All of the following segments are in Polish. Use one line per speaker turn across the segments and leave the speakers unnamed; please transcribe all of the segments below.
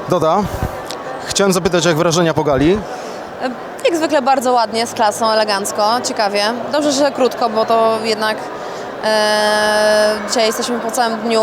Doda, chciałem zapytać, jak wrażenia po gali?
Jak zwykle bardzo ładnie, z klasą, elegancko, ciekawie. Dobrze, że krótko, bo to jednak dzisiaj jesteśmy po całym dniu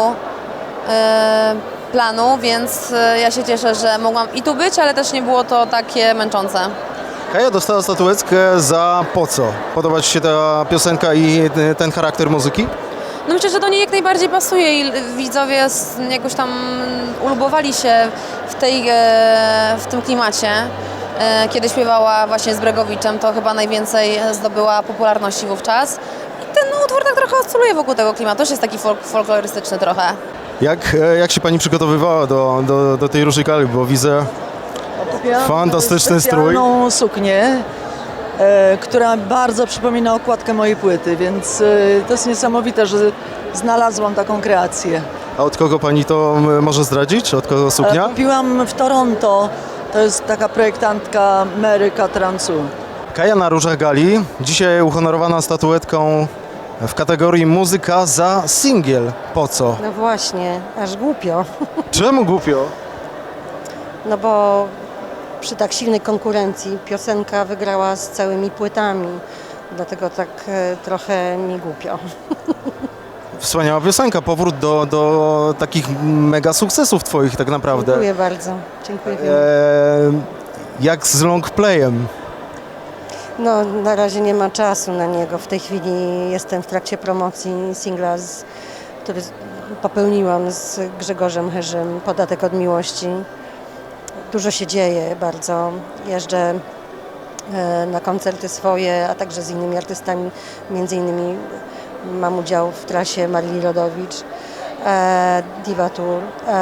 planu, więc ja się cieszę, że mogłam i tu być, ale też nie było to takie męczące.
Kaja dostała statuetkę za Po co? Podoba Ci się ta piosenka i ten charakter muzyki?
No myślę, że do niej jak najbardziej pasuje i widzowie jakoś tam ulubowali się w tym klimacie. Kiedy śpiewała właśnie z Bregowiczem, to chyba najwięcej zdobyła popularności wówczas. I ten utwór tak trochę oscyluje wokół tego klimatu, też jest taki folklorystyczny trochę.
Jak się Pani przygotowywała do tej różnej gali, bo widzę fantastyczny strój.
Specjalną suknię, która bardzo przypomina okładkę mojej płyty, więc to jest niesamowite, że znalazłam taką kreację.
A od kogo Pani to może zdradzić? Od kogo suknia?
Kupiłam w Toronto, to jest taka projektantka Mary Catrancu.
Kaja na różach gali, dzisiaj uhonorowana statuetką w kategorii muzyka za singiel. Po co?
No właśnie, aż głupio.
Czemu głupio?
No bo przy tak silnej konkurencji piosenka wygrała z całymi płytami. Dlatego tak trochę mi głupio.
Wspaniała piosenka, powrót do takich mega sukcesów Twoich tak naprawdę.
Dziękuję bardzo. Dziękuję.
Jak z longplayem?
No na razie nie ma czasu na niego. W tej chwili jestem w trakcie promocji singla, który popełniłam z Grzegorzem Herzym, Podatek od miłości. Dużo się dzieje bardzo. Jeżdżę na koncerty swoje, a także z innymi artystami. Między innymi mam udział w trasie Marii Rodowicz, Diva Tour.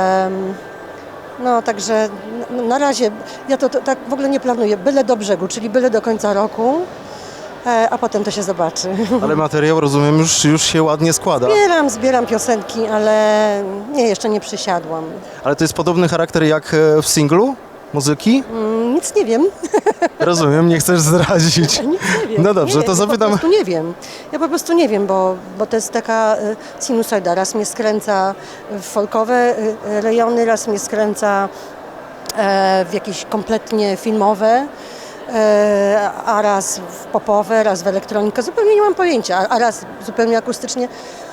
No także na razie ja to tak w ogóle nie planuję. Byle do brzegu, czyli byle do końca roku, a potem to się zobaczy.
Ale materiał, rozumiem, już się ładnie składa.
Zbieram piosenki, ale nie, jeszcze nie przysiadłam.
Ale to jest podobny charakter jak w singlu muzyki?
Nic nie wiem.
Rozumiem, nie chcesz zdradzić.
Nic nie wiem.
No dobrze,
nie,
to zapytam.
Ja po prostu nie wiem. Ja po prostu nie wiem, bo to jest taka sinusoida. Raz mnie skręca w folkowe rejony, raz mnie skręca w jakieś kompletnie filmowe, a raz w popowe, raz w elektronikę. Zupełnie nie mam pojęcia, a raz zupełnie akustycznie.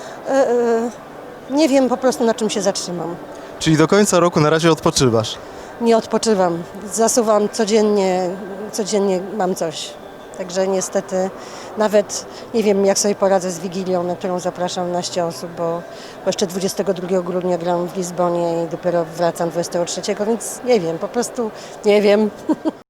Nie wiem po prostu, na czym się zatrzymam.
Czyli do końca roku na razie odpoczywasz.
Nie odpoczywam, zasuwam codziennie mam coś. Także niestety nawet nie wiem, jak sobie poradzę z Wigilią, na którą zapraszam 12 osób, bo jeszcze 22 grudnia gram w Lizbonie i dopiero wracam 23, więc nie wiem, po prostu nie wiem.